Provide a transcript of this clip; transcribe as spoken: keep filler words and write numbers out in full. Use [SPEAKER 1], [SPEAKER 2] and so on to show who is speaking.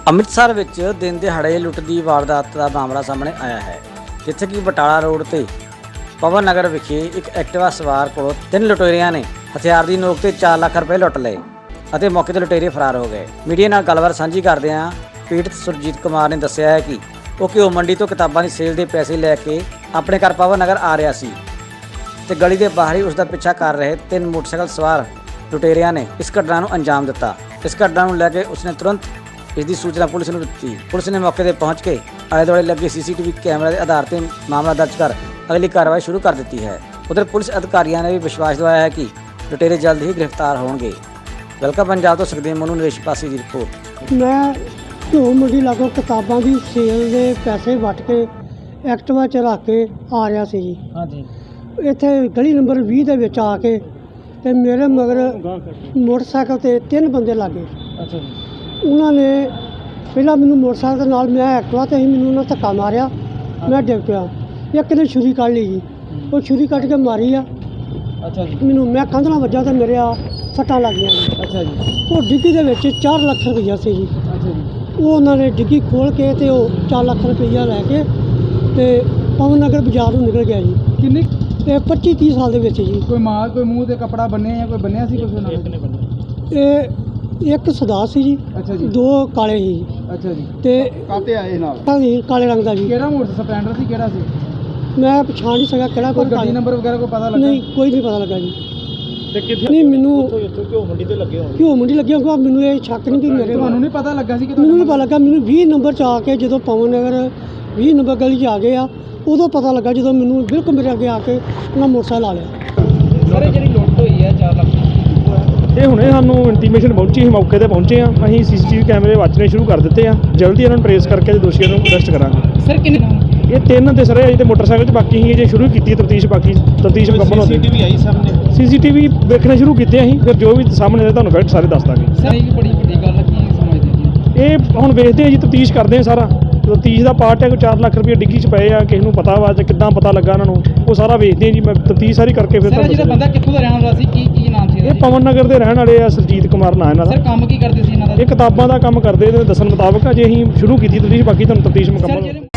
[SPEAKER 1] ਅੰਮ੍ਰਿਤਸਰ ਵਿੱਚ ਦਿਨ ਦਿਹਾੜੇ ਲੁੱਟ ਦੀ ਵਾਰਦਾਤ ਦਾ ਮਾਮਲਾ ਸਾਹਮਣੇ ਆਇਆ ਹੈ, ਜਿੱਥੇ ਕਿ ਬਟਾਲਾ ਰੋਡ ਤੇ ਪਵਨ ਨਗਰ ਵਿਖੇ ਇੱਕ ਐਕਟਿਵਾ ਸਵਾਰ ਕੋਲੋਂ ਤਿੰਨ ਲੁਟੇਰਿਆਂ ਨੇ ਹਥਿਆਰ ਦੀ ਨੋਕ ਤੇ ਚਾਰ ਲੱਖ ਰੁਪਏ ਲੁੱਟ ਲਏ ਅਤੇ ਮੌਕੇ ਤੇ ਲੁਟੇਰੇ ਫਰਾਰ ਹੋ ਗਏ। ਮੀਡੀਆ ਨਾਲ ਗੱਲਬਾਤ ਸਾਂਝੀ ਕਰਦਿਆਂ ਪੀੜਤ ਸੁਰਜੀਤ ਕੁਮਾਰ ਨੇ ਦੱਸਿਆ ਹੈ ਕਿ ਉਹ ਘਿਓ ਮੰਡੀ ਤੋਂ ਕਿਤਾਬਾਂ ਦੀ ਸੇਲ ਦੇ ਪੈਸੇ ਲੈ ਕੇ ਆਪਣੇ ਘਰ ਪਵਨ ਨਗਰ ਆ ਰਿਹਾ ਸੀ ਤੇ ਗਲੀ ਦੇ ਬਾਹਰ ਹੀ ਉਸ ਦਾ ਪਿੱਛਾ ਕਰ ਰਹੇ ਤਿੰਨ ਮੋਟਰਸਾਈਕਲ ਸਵਾਰ ਲੁਟੇਰਿਆਂ ਨੇ ਇਸ ਘਟਨਾ ਨੂੰ ਅੰਜਾਮ ਦਿੱਤਾ। ਇਸ ਘਟਨਾ ਨੂੰ ਲੈ ਕੇ ਉਸਨੇ ਤੁਰੰਤ ਇਸ ਦੀ ਸੂਚਨਾ ਪੁਲਿਸ ਨੂੰ ਦਿੱਤੀ। ਪੁਲਿਸ ਨੇ ਮੌਕੇ ਤੇ ਪਹੁੰਚ ਕੇ ਆਲੇ ਦੁਆਲੇ ਲੱਗੇ ਸੀਸੀਟੀਵੀ ਕੈਮਰਾ ਦੇ ਆਧਾਰ ਤੇ ਮਾਮਲਾ ਦਰਜ ਕਰ ਅਗਲੀ ਕਾਰਵਾਈ ਸ਼ੁਰੂ ਕਰ ਦਿੱਤੀ ਹੈ। ਉਧਰ ਪੁਲਿਸ ਅਧਿਕਾਰੀਆਂ ਨੇ ਵੀ ਵਿਸ਼ਵਾਸ ਦਿਵਾਇਆ ਹੈ ਕਿ ਲੁਟੇਰੇ ਜਲਦ ਹੀ ਗ੍ਰਿਫਤਾਰ ਹੋਣਗੇ। ਵੈਲਕਮ ਪੰਜਾਬ ਤੋਂ ਸੁਖਦੇਵ ਮਨੂ ਨਰੇਸ਼ ਪਾਸੀ ਦੀ ਰਿਪੋਰਟ।
[SPEAKER 2] ਮੈਂ ਘਿਓ ਮੰਡੀ ਲਾਗੋਂ ਕਿਤਾਬਾਂ ਦੀ ਸੇਲ ਦੇ ਪੈਸੇ ਵੱਟ ਕੇ ਐਕਟਿਵਾ 'ਚ ਰੱਖ ਕੇ ਆ ਰਿਹਾ ਸੀ ਜੀ।
[SPEAKER 1] ਹਾਂਜੀ।
[SPEAKER 2] ਇੱਥੇ ਗਲੀ ਨੰਬਰ ਵੀਹ ਦੇ ਵਿੱਚ ਆ ਕੇ ਤੇ ਮੇਰੇ ਮਗਰ ਮੋਟਰਸਾਈਕਲ ਤੇ ਤਿੰਨ ਬੰਦੇ ਲੱਗੇ।
[SPEAKER 1] ਅੱਛਾ ਜੀ।
[SPEAKER 2] ਉਹਨਾਂ ਨੇ ਪਹਿਲਾਂ ਮੈਨੂੰ ਮੋਟਰਸਾਈਕਲ ਦੇ ਨਾਲ ਮੈਂ ਐਕਟਿਵਾ ਤੇ ਹੀ ਮੈਨੂੰ ਉਹਨਾਂ ਧੱਕਾ ਮਾਰਿਆ, ਮੈਂ ਡਿੱਗ ਪਿਆ। ਇੱਕ ਨੇ ਛੁਰੀ ਕੱਢ ਲਈ ਜੀ, ਉਹ ਛੁਰੀ ਕੱਢ ਕੇ ਮਾਰੀ ਆ।
[SPEAKER 1] ਅੱਛਾ ਜੀ।
[SPEAKER 2] ਮੈਨੂੰ ਮੈਂ ਕੰਧ ਨਾਲ ਵੱਜਾ ਤੇ ਮੇਰੇ ਆ ਸੱਟਾਂ ਲੱਗ ਗਈਆਂ ਜੀ।
[SPEAKER 1] ਅੱਛਾ ਜੀ।
[SPEAKER 2] ਉਹ ਡਿੱਗੀ ਦੇ ਵਿੱਚ ਚਾਰ ਲੱਖ ਰੁਪਈਆ ਸੀ ਜੀ।
[SPEAKER 1] ਅੱਛਾ ਜੀ।
[SPEAKER 2] ਉਹ ਉਹਨਾਂ ਨੇ ਡਿੱਗੀ ਖੋਲ ਕੇ ਤੇ ਉਹ ਚਾਰ ਲੱਖ ਰੁਪਈਆ ਲੈ ਕੇ ਤੇ ਪਵਨ ਨਗਰ ਬਾਜ਼ਾਰ ਨੂੰ ਨਿਕਲ ਗਿਆ ਜੀ।
[SPEAKER 3] ਕਿੰਨੇ
[SPEAKER 2] ਇਹ ਪੱਚੀ ਤੀਹ ਸਾਲ ਦੇ ਵਿੱਚ ਜੀ।
[SPEAKER 3] ਕੋਈ ਮਾਲ ਕੋਈ ਮੂੰਹ ਤੇ ਕੱਪੜਾ ਬੰਨਿਆ ਜਾਂ ਕੋਈ ਬੰਨਿਆ ਸੀ ਕੁਝ ਉਹਨਾਂ ਨੇ?
[SPEAKER 2] ਇਹ ਇੱਕ ਸਦਾ ਸੀ ਜੀ,
[SPEAKER 3] ਅੱਛਾ ਜੀ।
[SPEAKER 2] ਦੋ ਕਾਲੇ ਸੀ ਜੀ।
[SPEAKER 3] ਅੱਛਾ ਜੀ।
[SPEAKER 2] ਤੇ
[SPEAKER 3] ਕਾਤੇ ਆਏ ਨਾਲ?
[SPEAKER 2] ਹਾਂਜੀ, ਕਾਲੇ ਰੰਗ ਦਾ ਜੀ।
[SPEAKER 3] ਕਿਹੜਾ ਮੋਟਰ ਸਪਲੈਂਡਰ ਸੀ, ਕਿਹੜਾ ਸੀ?
[SPEAKER 2] ਮੈਂ ਪਛਾਣ ਨਹੀਂ ਸਕਿਆ ਕਿਹੜਾ
[SPEAKER 3] ਕੋਈ
[SPEAKER 2] ਕੋਈ
[SPEAKER 3] ਗੱਡੀ ਨੰਬਰ ਵਗੈਰਾ ਕੋਈ ਪਤਾ ਲੱਗਾ?
[SPEAKER 2] ਨਹੀਂ, ਕੋਈ ਨਹੀਂ ਪਤਾ ਲੱਗਾ ਜੀ।
[SPEAKER 3] ਤੇ ਕਿੱਥੇ
[SPEAKER 2] ਨਹੀਂ ਮੈਨੂੰ
[SPEAKER 3] ਘਿਓ ਮੰਡੀ ਤੇ ਲੱਗੇ ਹੋਣ?
[SPEAKER 2] ਘਿਓ ਮੰਡੀ ਲੱਗਿਆ ਹੋਊਗਾ, ਮੈਨੂੰ ਇਹ ਸ਼ੱਕ ਨਹੀਂ ਕਿ ਮੇਰੇ
[SPEAKER 3] ਤੁਹਾਨੂੰ ਨਹੀਂ ਪਤਾ ਲੱਗਾ ਸੀ ਕਿ
[SPEAKER 2] ਮੈਨੂੰ ਨਹੀਂ ਪਤਾ ਲੱਗਾ। ਮੈਨੂੰ ਵੀਹ ਨੰਬਰ 'ਚ ਆ ਕੇ ਜਦੋਂ ਪਵਨ ਨਗਰ ਵੀਹ ਨੰਬਰ ਗਲੀ 'ਚ ਆ ਗਏ ਆ, ਉਦੋਂ ਪਤਾ ਲੱਗਾ ਜਦੋਂ ਮੈਨੂੰ ਬਿਲਕੁਲ ਮੇਰੇ ਅੱਗੇ ਆ ਕੇ ਉਹਨਾਂ ਮੋਟਰਸਾਈਕਲ ਆ ਲਿਆ।
[SPEAKER 3] ਸਰ ਜਿਹੜੀ ਲੁੱਟ ਹੋਈ ਹੈ ਚਾਰ ਲੱਖ,
[SPEAKER 4] ਇਹ ਹੁਣੇ ਸਾਨੂੰ ਇੰਟੀਮੇਸ਼ਨ ਪਹੁੰਚੀ, ਅਸੀਂ ਮੌਕੇ ਤੇ ਪਹੁੰਚੇ ਆ। ਅਸੀਂ ਸੀਸੀਟੀਵੀ ਕੈਮਰੇ ਵਾਚਣੇ ਸ਼ੁਰੂ ਕਰ ਦਿੱਤੇ ਆ। ਜਲਦੀ ਇਹਨਾਂ ਨੂੰ ਟਰੇਸ ਕਰਕੇ ਤੇ ਦੋਸ਼ੀਆਂ ਨੂੰ ਅਰੈਸਟ ਕਰਾਂਗੇ।
[SPEAKER 3] ਸਰ ਕਿੰਨੇ
[SPEAKER 4] ਇਹ ਤਿੰਨ ਤੇ ਸਰ ਅਜੇ ਤੇ ਮੋਟਰਸਾਈਕਲ 'ਚ ਬਾਕੀ ਹੀ ਜੇ ਸ਼ੁਰੂ ਕੀਤੀ ਤਫਤੀਸ਼, ਬਾਕੀ ਤਫਤੀਸ਼ ਮੁਕੰਮਲ ਹੋ ਗਈ।
[SPEAKER 3] ਸੀਸੀਟੀਵੀ ਆਈ ਸਾਹਮਣੇ?
[SPEAKER 4] ਸੀਸੀਟੀਵੀ ਵੇਖਣੇ ਸ਼ੁਰੂ ਕੀਤੇ ਅਸੀਂ, ਫਿਰ ਜੋ ਵੀ ਸਾਹਮਣੇ ਆਏ ਤੁਹਾਨੂੰ ਫੈਕਟ ਸਾਰੇ ਦੱਸ ਦਾਂਗੇ।
[SPEAKER 3] ਸਰ ਇਹ ਬੜੀ ਵੱਡੀ ਗੱਲ ਹੈ, ਕੀ ਸਮਝਦੇ ਜੀ?
[SPEAKER 4] ਇਹ ਹੁਣ ਵੇਖਦੇ ਆ ਜੀ, ਤਫਤੀਸ਼ ਕਰਦੇ ਆ ਸਾਰਾ। ਤਫਤੀਸ਼ ਦਾ ਪਾਰਟ ਹੈ ਕੋਈ ਚਾਰ ਲੱਖ ਰੁਪਏ ਡਿੱਗੀ 'ਚ ਪਏ ਆ, ਕਿਸੇ ਨੂੰ ਪਤਾ ਵਾ ਜਾਂ ਕਿੱਦਾਂ ਪਤਾ ਲੱਗਾ ਉਹਨਾਂ ਨੂੰ, ਉਹ ਸਾਰਾ ਵੇਖਦੇ ਆ ਜੀ। ਮੈਂ ਤਫਤੀਸ਼ ਸਾਰੀ ਕਰਕੇ ਫਿਰ
[SPEAKER 3] ਸਰ
[SPEAKER 4] ਤੁਹਾਨੂੰ
[SPEAKER 3] ਜਿਹੜਾ ਬੰਦਾ ਕਿੱਥੋਂ ਦਾ ਰਹਿਣ ਵਾਲਾ ਸੀ, ਕੀ ਕੀ ਨਾਮ ਸੀ ਇਹਦਾ?
[SPEAKER 4] ਇਹ ਪਵਨ ਨਗਰ ਦੇ ਰਹਿਣ ਵਾਲੇ ਆ, ਸੁਰਜੀਤ ਕੁਮਾਰ ਨਾਂ ਇਹਨਾਂ
[SPEAKER 3] ਸਰ
[SPEAKER 4] ਦਾ।
[SPEAKER 3] ਕੰਮ ਕੀ ਕਰਦੇ ਸੀ ਇਹਨਾਂ ਦਾ?
[SPEAKER 4] ਇਹ ਕਿਤਾਬਾਂ ਦਾ ਕੰਮ ਕਰਦੇ, ਇਹਦੇ ਦੱਸਣ ਮੁਤਾਬਕ ਅਜੇ ਅਸੀਂ ਸ਼ੁਰੂ ਕੀਤੀ ਤਫਤੀਸ਼, ਬਾਕੀ ਤੁਹਾਨੂੰ ਤਫਤੀਸ਼ ਮੁਕੰਮਲ
[SPEAKER 3] ਸਰ ਜਿਹੜੇ